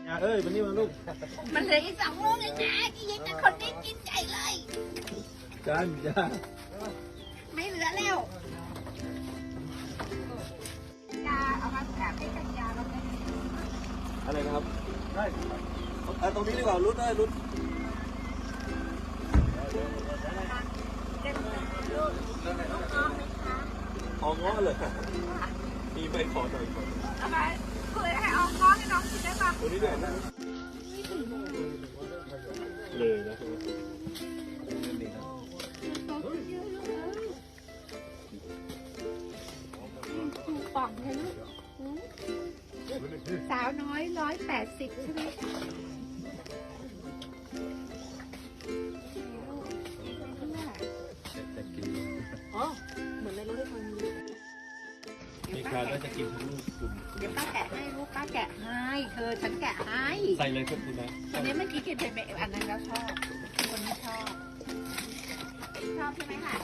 เอ้ยวันนี้มาลูกมันเหลืออีก2 ลูกเองนะที่ยังแต่คนนี้กินใหญ่เลยจ้าไม่เหลือแล้วยาเอามาแบบให้กันยาเราได้อะไรนะครับได้ตรงนี้ดีกว่ารุดได้รุดของ้อเลยมีไปขอหน่อยก่อนเอาไปคุยให้เอาง้อให้น้องกินได้ปะตัวนี้ด้วยนะเลยนะป่องเลยลูกสาวน้อย180ใช่ไหมอ๋อเหมือนในรถที่คนมีใครก็จะกินทั้งลูกกลุ่มเดี๋ยวป้าแกะให้ลูกป้าแกะให้ฉันแกะให้ใส่เลยครับคุณนะอันนี้เมื่อกี้กินไปอันนั้นแล้วชอบคนนี้ชอบใช่ไหมคะ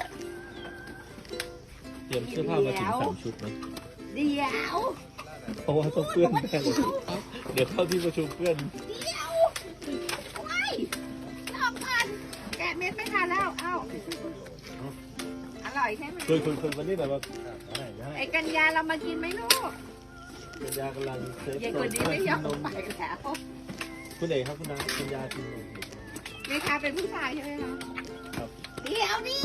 เตรียมเสื้อผ้ามาถึง3 ชุดนะเดี๋ยวเพราะว่าต้องเพื่อนแน่เลยเดี๋ยวเข้าที่ประชุมเพื่อนเดี๋ยวไม่ชอบมันแกะเม็ดไม่ทานแล้วเอ้าอร่อยใช่ไหมคุยวันนี้แบบว่าไอ้กัญญาเรามากินไหมลูกกัญญากำลังเซฟยายคนนี้ไม่ยอมไปแล้วคุณเอกครับคุณนากัญญากินนมนี่ค่ะเป็นผู้ชายใช่ไหมคะครับเดี๋ยวนี่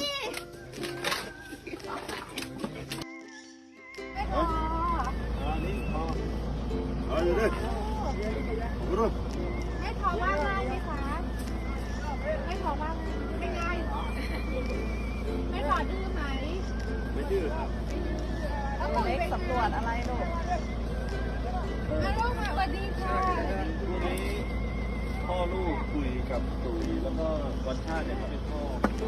ไม่พอนี่พออยู่ดิไม่พอว่าง่ายไหมคะไม่พอว่าไม่ง่ายหรอไม่พอดื้อไหมไม่ดื้อครับแล้วผมไปสำรวจอะไรลูกลูกมาสวัสดีค่ะวันนี้พ่อลูกคุยกับตุ๋ยแล้วก็วันชาติเนี่ยเขาเป็นพ่อ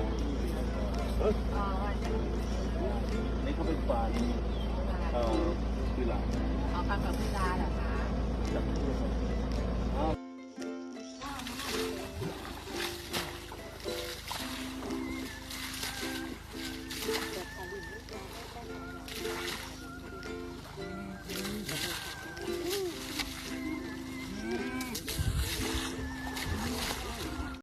นี่เขาเป็นฟานคือหลานเอาฟังกับพี่ดาเหรอคะ